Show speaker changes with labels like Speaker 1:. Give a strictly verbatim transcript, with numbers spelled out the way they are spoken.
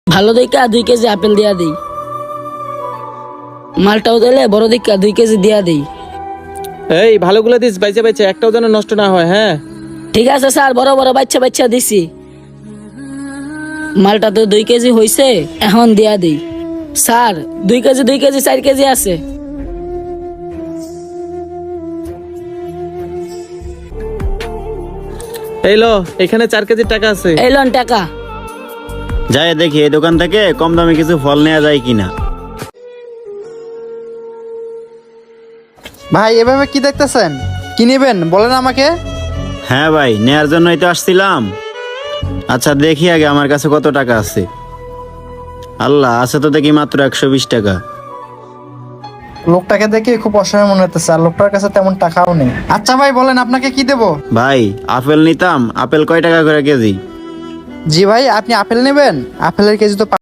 Speaker 1: ভালো দেখা দুই কেজি আপেল দিয়া দিই। মালটাও দিলে বড় দেখা দুই কেজি দিয়া দিই।
Speaker 2: এই ভালোগুলো দিস, বাইচা বাইচা, একটাও যেন নষ্ট না হয়। হ্যাঁ
Speaker 1: ঠিক আছে স্যার, বড় বড় বাচ্চা বাচ্চা দিছি। মালটা তো দুই কেজি হইছে, এখন দিয়া দিই। স্যার দুই কেজি দুই কেজি চার কেজি আছে।
Speaker 2: এই লো, এখানে চার কেজির টাকা আছে।
Speaker 1: এই লন টাকা।
Speaker 3: যাই দেখি এই দোকান থেকে কম দামে কিছু ফল নেওয়া যায় কিনা।
Speaker 4: ভাই এভাবে কি দেখতেছেন? কি নেবেন বলেন আমাকে।
Speaker 3: হ্যাঁ ভাই, নেয়ার জন্যই তো আসছিলাম। আচ্ছা দেখি আগে আমার কাছে কত টাকা আছে। আল্লাহ, আছে তো দেখি মাত্র একশো বিশ টাকা।
Speaker 4: লোকটাকে দেখে খুব অসহায় মনে হতেছে, আর লোকটার কাছে তেমন টাকাও নেই। আচ্ছা ভাই বলেন আপনাকে কি দেবো?
Speaker 3: ভাই আপেল নিতাম, আপেল কয় টাকা করে কেজি?
Speaker 4: জি ভাই, আপনি আপেল নেবেন? আপেলের কেজি তো